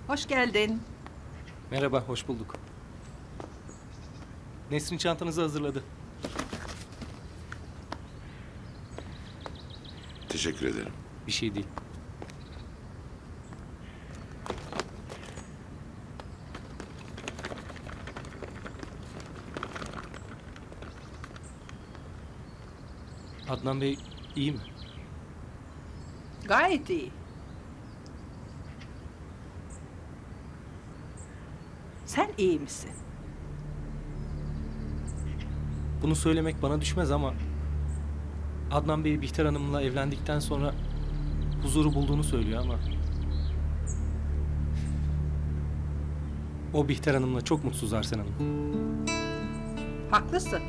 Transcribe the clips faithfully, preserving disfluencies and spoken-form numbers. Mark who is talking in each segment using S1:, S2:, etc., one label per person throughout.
S1: Hoş geldin.
S2: Merhaba, hoş bulduk. Nesrin çantanızı hazırladı.
S3: Teşekkür ederim.
S2: Bir şey değil. Adnan Bey iyi mi?
S1: Gayet iyi. Sen iyi misin?
S2: Bunu söylemek bana düşmez ama Adnan Bey Bihter Hanım'la evlendikten sonra huzuru bulduğunu söylüyor ama o Bihter Hanım'la çok mutsuz Arsen Hanım.
S1: Haklısın.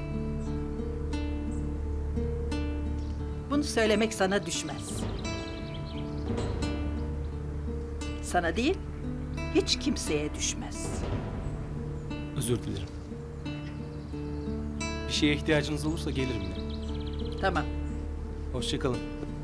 S1: Bunu söylemek sana düşmez. Sana değil, hiç kimseye düşmez.
S2: Özür dilerim. Bir şeye ihtiyacınız olursa gelirim yine.
S1: Tamam.
S2: Hoşça kalın.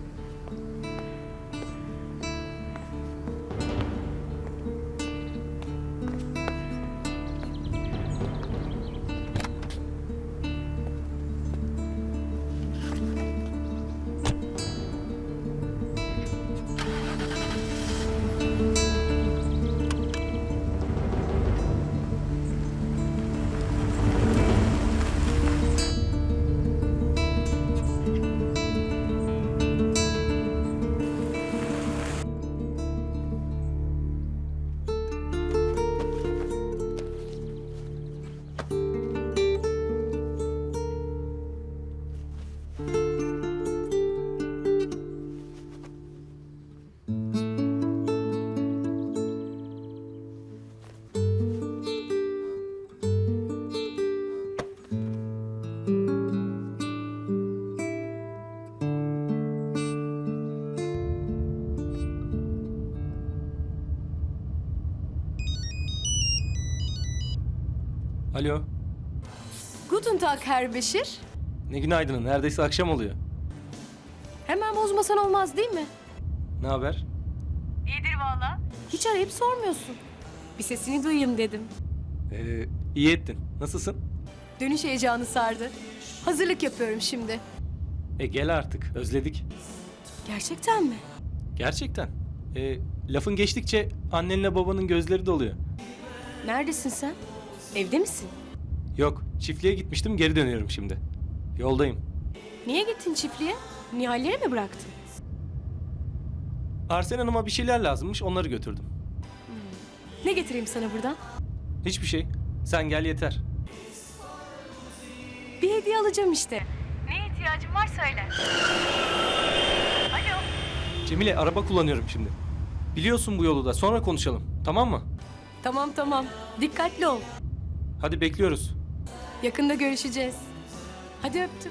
S2: Alo.
S4: Guten Tag Herr Beşir.
S2: Ne günaydın. Neredeyse akşam oluyor.
S4: Hemen bozmasan olmaz değil mi?
S2: Ne haber?
S4: İyidir valla. Hiç arayıp sormuyorsun. Bir sesini duyayım dedim.
S2: Ee, iyi ettin. Nasılsın?
S4: Dönüş heyecanı sardı. Hazırlık yapıyorum şimdi.
S2: E gel artık. Özledik.
S4: Gerçekten mi?
S2: Gerçekten. E, lafın geçtikçe annenle babanın gözleri doluyor.
S4: Neredesin sen? Evde misin?
S2: Yok, çiftliğe gitmiştim, geri dönüyorum şimdi. Yoldayım.
S4: Niye gittin çiftliğe? Nihalleri mi bıraktın?
S2: Arsen Hanım'a bir şeyler lazımmış, onları götürdüm.
S4: Ne getireyim sana buradan?
S2: Hiçbir şey. Sen gel yeter.
S4: Bir hediye alacağım işte. Neye ihtiyacın var söyle. Alo.
S2: Cemile, araba kullanıyorum şimdi. Biliyorsun bu yolu da, sonra konuşalım. Tamam mı?
S4: Tamam tamam. Dikkatli ol.
S2: Hadi bekliyoruz.
S4: Yakında görüşeceğiz. Hadi öptüm.